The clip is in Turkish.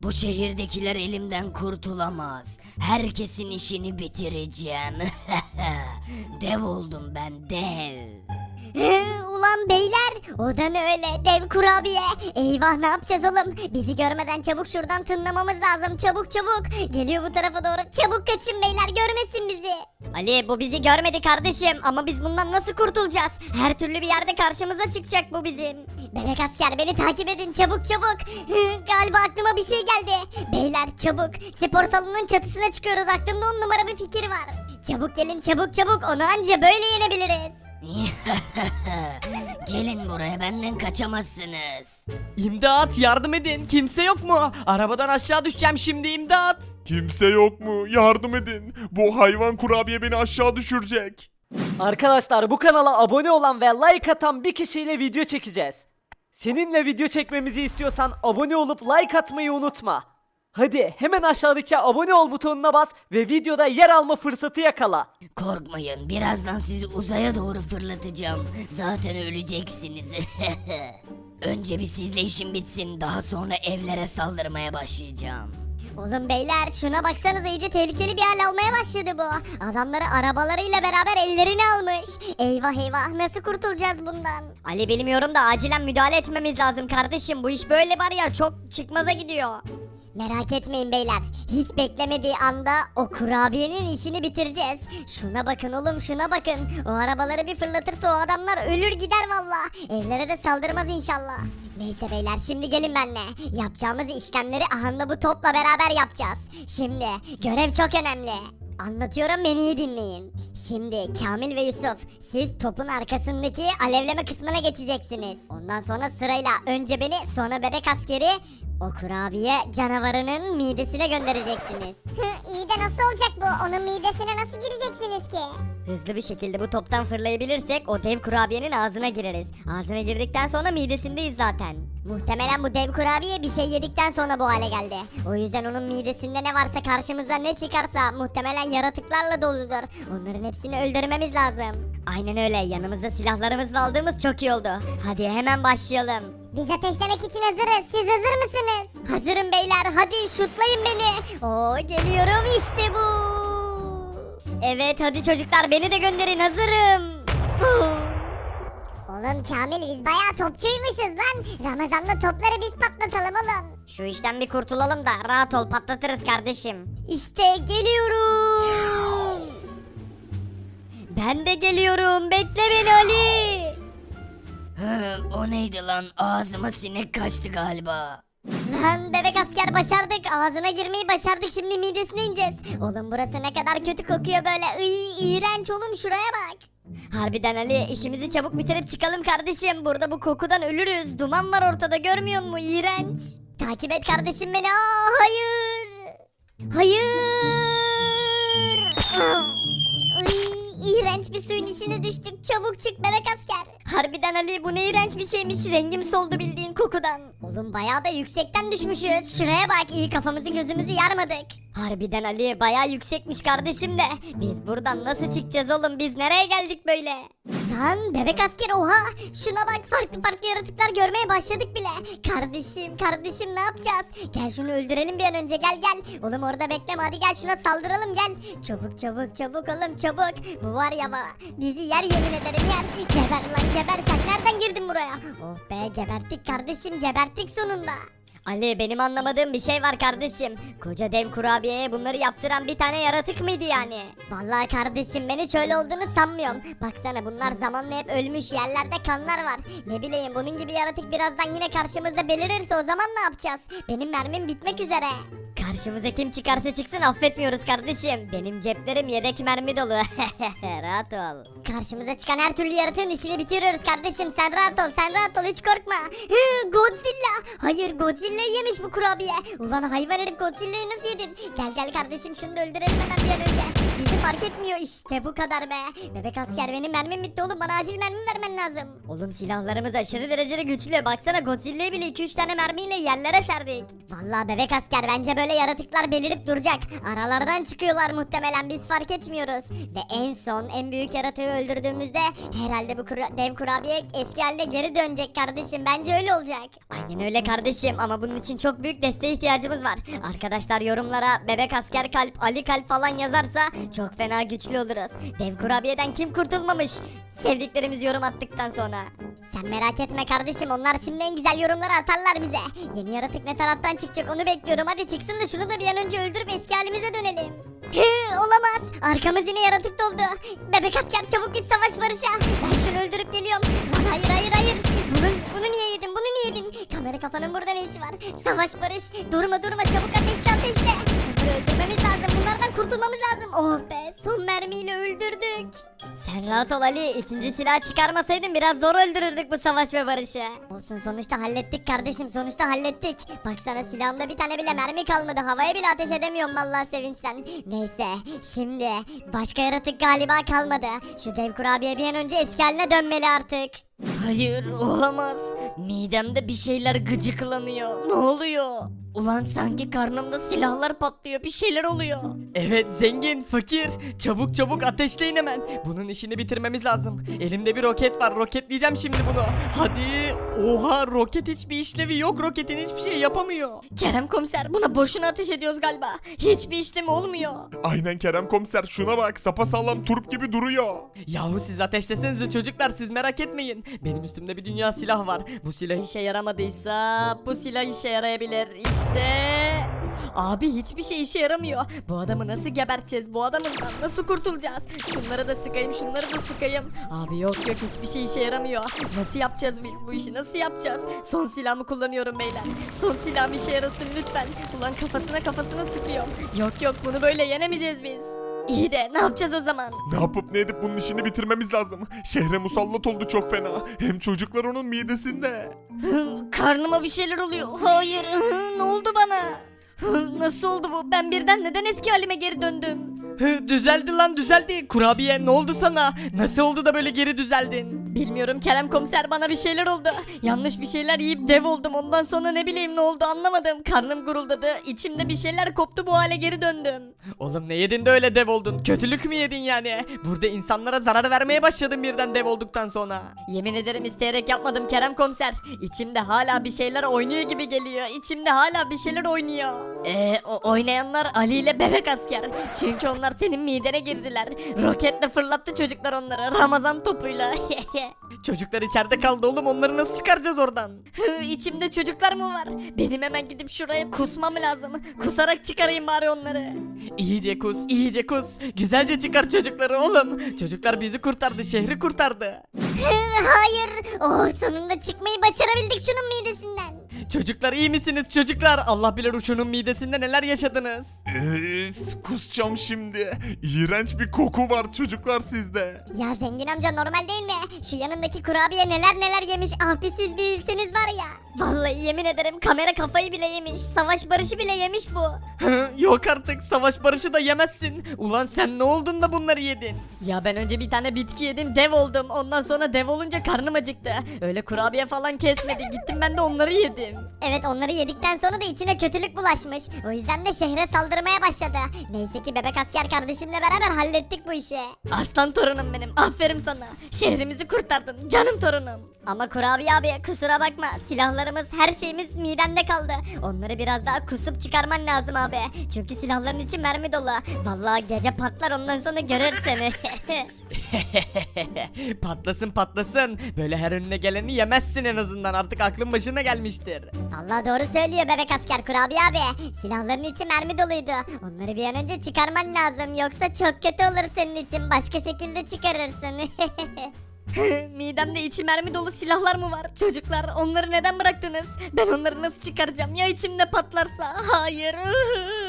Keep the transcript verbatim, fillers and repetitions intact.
Bu şehirdekiler elimden kurtulamaz. Herkesin işini bitireceğim. Dev oldum ben, dev. Ulan beyler, o da ne öyle dev kurabiye. Eyvah, ne yapacağız oğlum? Bizi görmeden çabuk şuradan tınlamamız lazım, çabuk çabuk. Geliyor bu tarafa doğru, çabuk kaçın beyler, görmesin bizi. Ali, bu bizi görmedi kardeşim ama biz bundan nasıl kurtulacağız? Her türlü bir yerde karşımıza çıkacak bu bizim. Bebek asker, beni takip edin çabuk çabuk. Galiba aklıma bir şey geldi. Beyler çabuk, spor salonunun çatısına çıkıyoruz, aklımda on numara bir fikir var. Çabuk gelin, çabuk çabuk, onu anca böyle yenebiliriz. Gelin buraya, benden kaçamazsınız. İmdat, yardım edin, kimse yok mu? Arabadan aşağı düşeceğim şimdi, imdat. Kimse yok mu? Yardım edin. Bu hayvan kurabiye beni aşağı düşürecek. Arkadaşlar, bu kanala abone olan ve like atan bir kişiyle video çekeceğiz. Seninle video çekmemizi istiyorsan abone olup like atmayı unutma. Hadi hemen aşağıdaki abone ol butonuna bas ve videoda yer alma fırsatı yakala. Korkmayın, birazdan sizi uzaya doğru fırlatacağım. Zaten öleceksiniz. Önce bir sizle işim bitsin, daha sonra evlere saldırmaya başlayacağım. Oğlum beyler, şuna baksanıza, iyice tehlikeli bir hal almaya başladı bu. Adamları arabalarıyla beraber ellerini almış. Eyvah eyvah, nasıl kurtulacağız bundan? Ali, bilmiyorum da acilen müdahale etmemiz lazım kardeşim. Bu iş böyle var ya, çok çıkmaza gidiyor. Merak etmeyin beyler. Hiç beklemediği anda o kurabiyenin işini bitireceğiz. Şuna bakın oğlum, şuna bakın. O arabaları bir fırlatırsa o adamlar ölür gider valla. Evlere de saldırmaz inşallah. Neyse beyler, şimdi gelin benimle. Yapacağımız işlemleri ahanda bu topla beraber yapacağız. Şimdi görev çok önemli. Anlatıyorum, beni iyi dinleyin. Şimdi Kamil ve Yusuf, siz topun arkasındaki alevleme kısmına geçeceksiniz. Ondan sonra sırayla önce beni, sonra bebek askeri o kurabiye canavarının midesine göndereceksiniz. İyi de nasıl olacak bu? Onun midesine nasıl gireceksiniz ki? Hızlı bir şekilde bu toptan fırlayabilirsek o dev kurabiyenin ağzına gireriz. Ağzına girdikten sonra midesindeyiz zaten. Muhtemelen bu dev kurabiye bir şey yedikten sonra bu hale geldi. O yüzden onun midesinde ne varsa, karşımıza ne çıkarsa muhtemelen yaratıklarla doludur. Onların hepsini öldürmemiz lazım. Aynen öyle, yanımızda silahlarımızla aldığımız çok iyi oldu. Hadi hemen başlayalım. Biz ateşlemek için hazırız. Siz hazır mısınız? Hazırım beyler, hadi şutlayın beni. Oo, geliyorum işte bu. Evet hadi çocuklar, beni de gönderin, hazırım. Oğlum Kamil, biz bayağı topçuymuşuz lan. Ramazan'da topları biz patlatalım oğlum. Şu işten bir kurtulalım da rahat ol, patlatırız kardeşim. İşte geliyorum. Ben de geliyorum, bekle beni Ali. Hı, o neydi lan? Ağzıma sinek kaçtı galiba. Lan bebek asker, başardık, ağzına girmeyi başardık, şimdi midesine ineceğiz. Oğlum burası ne kadar kötü kokuyor böyle, iy, iğrenç oğlum, şuraya bak. Harbiden Ali, işimizi çabuk bitirip çıkalım kardeşim, burada bu kokudan ölürüz, duman var ortada, görmüyor musun, iğrenç. Takip et kardeşim beni. Aa, hayır. Hayır. Ay, iğrenç bir suyun içine düştük. Çabuk çık bebek asker. Harbiden Ali, bu ne iğrenç bir şeymiş. Rengim soldu bildiğin kokudan. Oğlum bayağı da yüksekten düşmüşüz. Şuraya bak, iyi kafamızı gözümüzü yarmadık. Harbiden Ali, bayağı yüksekmiş kardeşim de. Biz buradan nasıl çıkacağız oğlum? Biz nereye geldik böyle? Lan bebek asker, oha. Şuna bak, farklı farklı yaratıklar görmeye başladık bile. Kardeşim kardeşim, ne yapacağız? Gel şunu öldürelim bir an önce, gel gel. Oğlum orada bekleme, hadi gel şuna saldıralım, gel. Çabuk çabuk çabuk oğlum, çabuk. Bu var ya, ba- bizi yer, yemin ederim yer. Geber lan geber, sen nereden girdin buraya? Oh be, geberttik kardeşim, geberttik sonunda. Ali, benim anlamadığım bir şey var kardeşim. Koca dev kurabiyeye bunları yaptıran bir tane yaratık mıydı yani? Vallahi kardeşim, ben hiç öyle olduğunu sanmıyorum. Baksana, bunlar zamanla hep ölmüş, yerlerde kanlar var. Ne bileyim, bunun gibi yaratık birazdan yine karşımızda belirirse o zaman ne yapacağız? Benim mermim bitmek üzere. Karşımıza kim çıkarsa çıksın affetmiyoruz kardeşim. Benim ceplerim yedek mermi dolu. Rahat ol. Karşımıza çıkan her türlü yaratığın işini bitiriyoruz kardeşim. Sen rahat ol, sen rahat ol, hiç korkma. Hı, Godzilla. Hayır, Godzilla yemiş bu kurabiye. Ulan hayvan herif, Godzilla'yı nasıl yedin? Gel gel kardeşim, şunu da öldürelim hemen bir an önce. bizi fark etmiyor. İşte bu kadar be. Bebek asker benim mermim bitti oğlum. Bana acil mermi vermen lazım. Oğlum silahlarımız aşırı derecede güçlü. Baksana Godzilla'yı bile iki üç tane mermiyle yerlere serdik. Vallahi bebek asker bence böyle yaratıklar belirip duracak. Aralardan çıkıyorlar muhtemelen biz fark etmiyoruz. Ve en son en büyük yaratığı öldürdüğümüzde herhalde bu kura- dev kurabiye eski haline geri dönecek kardeşim. Bence öyle olacak. Aynen öyle kardeşim ama bunun için çok büyük desteğe ihtiyacımız var. Arkadaşlar yorumlara bebek asker kalp, Ali kalp falan yazarsa çok fena güçlü oluruz. Dev kurabiyeden kim kurtulmamış? Sevdiklerimiz yorum attıktan sonra. Sen merak etme kardeşim, onlar şimdi en güzel yorumları atarlar bize. Yeni yaratık ne taraftan çıkacak onu bekliyorum. Hadi çıksın da şunu da bir an önce öldürüp eski halimize dönelim. Hı, olamaz. Arkamız yine yaratık doldu. Bebek asker çabuk git savaş Barış'a. Ben şunu öldürüp geliyorum. Lan hayır hayır hayır. Bunu, bunu niye yedin bunu niye yedin? Kamera kafanın burada ne işi var? Savaş Barış. Durma durma çabuk ateşle ateşle. Bunları öldürmemiz lazım. Bunlardan kurtulmamız lazım. Oh be, son mermiyle öldürdük. Sen rahat ol Ali. İkinci silah çıkarmasaydın biraz zor öldürürdük bu Savaş ve Barış'ı. Olsun, sonuçta hallettik kardeşim, sonuçta hallettik. Baksana silahımda bir tane bile mermi kalmadı. Havaya bile ateş edemiyorum vallahi sevinçten. Neyse, şimdi başka yaratık galiba kalmadı. Şu dev kurabiye bir an önce eski haline dönmeli artık. Hayır olamaz. Midemde bir şeyler gıcıklanıyor. Ne oluyor? Ulan sanki karnımda silahlar patlıyor, bir şeyler oluyor. Evet zengin, fakir. Çabuk çabuk ateşleyin hemen. Bunun işini bitirmemiz lazım. Elimde bir roket var. Roketleyeceğim şimdi bunu. Hadi. Oha, roket hiçbir işlevi yok. Roketin hiçbir şey yapamıyor. Kerem komiser, buna boşuna ateş ediyoruz galiba. Hiçbir işlemi olmuyor. Aynen Kerem komiser, şuna bak, sapasağlam turp gibi duruyor. Yahu siz ateşlesenize çocuklar, siz merak etmeyin. Benim üstümde bir dünya silah var. Bu silah işe yaramadıysa bu silah işe yarayabilir. İşte. Abi hiçbir şey işe yaramıyor. Bu adamı nasıl geberteceğiz? Bu adamından nasıl kurtulacağız? Şunları da sıkayım, şunları da sıkayım. Abi yok yok, hiçbir şey işe yaramıyor. Nasıl yapacağız biz bu işi? Nasıl yapacağız? Son silahımı kullanıyorum beyler. Son silahım işe yarasın lütfen. Ulan kafasına kafasına sıkıyorum. Yok yok, bunu böyle yenemeyeceğiz biz. İyi de ne yapacağız o zaman? Ne yapıp ne edip bunun işini bitirmemiz lazım. Şehre musallat oldu çok fena. Hem çocuklar onun midesinde. Hı, Karnıma bir şeyler oluyor. Hayır, hı, ne oldu bana? Hı, Nasıl oldu bu? Ben birden neden eski halime geri döndüm? Hı, düzeldi lan düzeldi. Kurabiye ne oldu sana? Nasıl oldu da böyle geri düzeldin? Bilmiyorum Kerem komiser, bana bir şeyler oldu. Yanlış bir şeyler yiyip dev oldum. Ondan sonra ne bileyim ne oldu anlamadım. Karnım guruldadı. İçimde bir şeyler koptu, bu hale geri döndüm. Oğlum ne yedin de öyle dev oldun? Kötülük mü yedin yani? Burada insanlara zarar vermeye başladın birden dev olduktan sonra. Yemin ederim isteyerek yapmadım Kerem komiser. İçimde hala bir şeyler oynuyor gibi geliyor. İçimde hala bir şeyler oynuyor. Eee o oynayanlar Ali ile bebek asker. Çünkü onlar senin midene girdiler. Roketle fırlattı çocuklar onları. Ramazan topuyla. Çocuklar içeride kaldı oğlum, onları nasıl çıkaracağız oradan? Hı, İçimde çocuklar mı var? Benim hemen gidip şuraya kusmam lazım. Kusarak çıkarayım bari onları. İyice kus, iyice kus. Güzelce çıkar çocukları oğlum. Çocuklar bizi kurtardı, şehri kurtardı. Hayır. Oh, sonunda çıkmayı başarabildik şunun midesinden. Çocuklar iyi misiniz çocuklar? Allah bilir uçunun midesinde neler yaşadınız. Üf, kusacağım şimdi. İğrenç bir koku var çocuklar sizde. Ya zengin amca, normal değil mi? Şu yanındaki kurabiye neler neler yemiş. Ah bir siz bir bilseniz var ya. Vallahi yemin ederim kamera kafayı bile yemiş. Savaş Barış'ı bile yemiş bu. Yok artık, savaş barışı da yemezsin. Ulan sen ne oldun da bunları yedin? Ya ben önce bir tane bitki yedim, dev oldum. Ondan sonra dev olunca karnım acıktı. Öyle kurabiye falan kesmedi. Gittim ben de onları yedim. Evet, onları yedikten sonra da içine kötülük bulaşmış. O yüzden de şehre saldırmaya başladı. Neyse ki bebek asker kardeşimle beraber hallettik bu işi. Aslan torunum benim. Aferin sana. Şehrimizi kurtardın. Canım torunum. Ama kurabiye abi kusura bakma. Silahlarımız her şeyimiz midende kaldı. Onları biraz daha kusup çıkarman lazım abi. Çünkü silahların içi mermi dolu. Vallahi gece patlar, ondan sonra görür seni. Patlasın patlasın. Böyle her önüne geleni yemezsin en azından. Artık aklın başına gelmiştir. Vallahi doğru söylüyor bebek asker kurabiye abi. Silahların içi mermi doluydu. Onları bir an önce çıkarman lazım. Yoksa çok kötü olur senin için. Başka şekilde çıkarırsın. Midemde içi mermi dolu silahlar mı var? Çocuklar, onları neden bıraktınız? Ben onları nasıl çıkaracağım? Ya içimde patlarsa? Hayır.